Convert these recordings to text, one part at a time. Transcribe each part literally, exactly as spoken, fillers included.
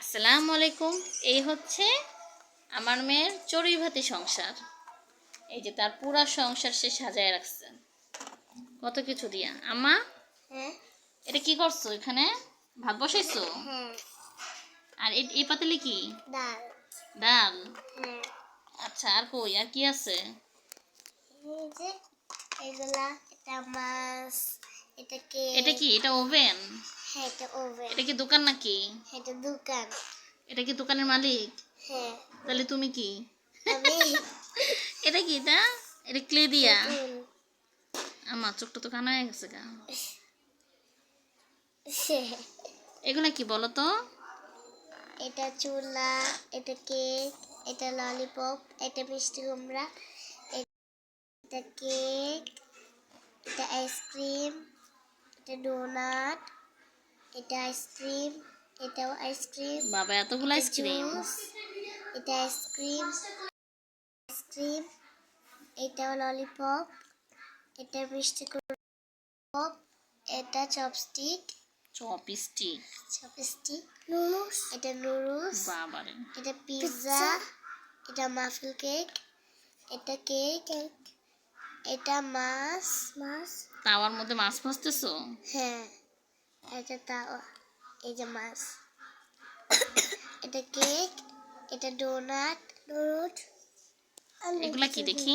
আসসালামু আলাইকুম। এই হচ্ছে আমার মেয়ের চড়ুইভাতি সংসার। এই যে তার পুরা সংসার সে সাজায় রাখছে কত কিছু দিয়া। আম্মা, হ্যাঁ এটা কি করছো? এখানে ভাত বসাইছো? হ্যাঁ আর এই- এই পাতিলে কি? ডাল ডাল। হ্যাঁ আচ্ছা, আর কই আর কি আছে? এই যে এগুলা এটা মাছ এটা কে এটা কি? এটা ওভেন? হ্যাঁ এটা ওভেন এটা কি দোকান নাকি? এটা দোকান এটা কি দোকানের মালিক? হ্যাঁ তাহলে তুমি কি? আমি এটা কি? এটা এটা ক্লে দিয়া? পুতুল। আমার চোখটা তো কানা হয়ে গেছে গা। হ্যাঁ। এগুলা কি বলো তো? এটা চুলা এটা কেক এটা ললিপপ এটা মিষ্টি কুমড়া এটা কেক এটা আইসক্রিম এটা ডোনাট এটা আইসক্রিম এটাও আইসক্রিম বাবা, এতগুলো আইসক্রিম! জুস এটা আইসক্রিম আইসক্রিম এটাও ললিপপ এটা মিষ্টি কুমড়া এটা চপস্টিক চপস্টিক? চপস্টিক নুডলস এটা নুডলস বাবারে! এটা পিৎজা এটা মাফিন কেক এটা কেক এটা মাছ মাছ তাওয়ার মধ্যে মাছ ভাজতেছো? হ্যাঁ এটা তাওয়া এই যে মাছ এটা কেক এটা ডোনাট ডোনাট এগুলা কি দেখি?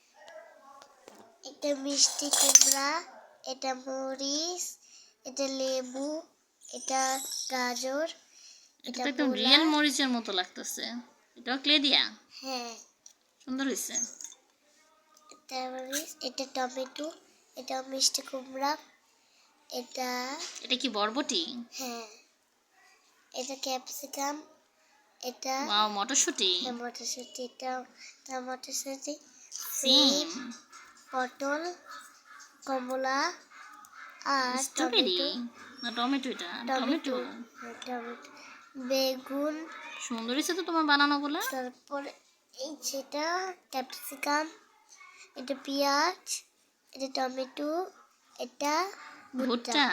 এটা মিষ্টি কুমড়া এটা মরিচ এটা লেবু এটা গাজর এটা এটা তো একদম মূলা। রিয়েল মরিচের মতো লাগতেছে। এটাও ক্লে দিয়া? হ্যাঁ সুন্দর হয়েছে। এটা মরিচ এটা টমেটো এটা মিষ্টি কুমড়া এটা এটা কি বরবটি? হ্যাঁ এটা ক্যাপসিকাম এটা ওয়াও, মটরশুঁটি। মটরশুঁটি এটা এটা মটরশুঁটি সিম, পটল কমলা আর স্ট্রবেরি টমেটো না টমেটো? এটা টমেটো টমেটো। হ্যাঁ, টমেটো বেগুন সুন্দর হয়েছে তো তোমার বানানোগুলা। তারপরে এই যেটা ক্যাপসিকাম এটা পেঁয়াজ এটা টমেটো এটা ভুট্টা ভুট্টা।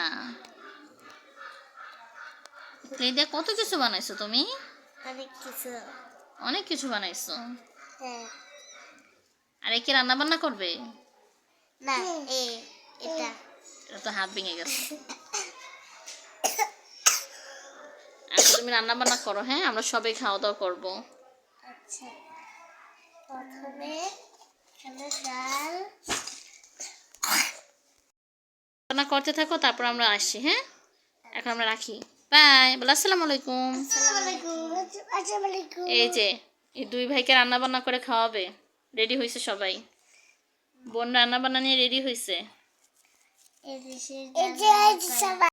ক্লে দিয়ে কত কিছু বানাইছো তুমি? অনেক কিছু অনেক কিছু বানাইছো। হ্যাঁ আর একে রান্না বান্না করবে? না এ এটা এটা তো হাত ভেঙে গেছে। আচ্ছা, তুমি রান্না বান্না করো, হ্যাঁ? আমরা সবাই খাওয়া দাওয়া করবো। আচ্ছা প্রথমে এখানে ডাল রান্না করতে থাকো, তারপর আমরা আসছি, হ্যাঁ? এখন আমরা রাখি। বাই, বলো আসসালামু আলাইকুম। আসসালামু আলাইকুম আসসালামু আলাইকুম এই যে এই দুই ভাইকে রান্না বান্না করে খাওয়াবে। রেডি হয়েছে সবাই। বোন রান্না বান্না নিয়ে রেডি হয়েছে। এই যে এই যে সবাই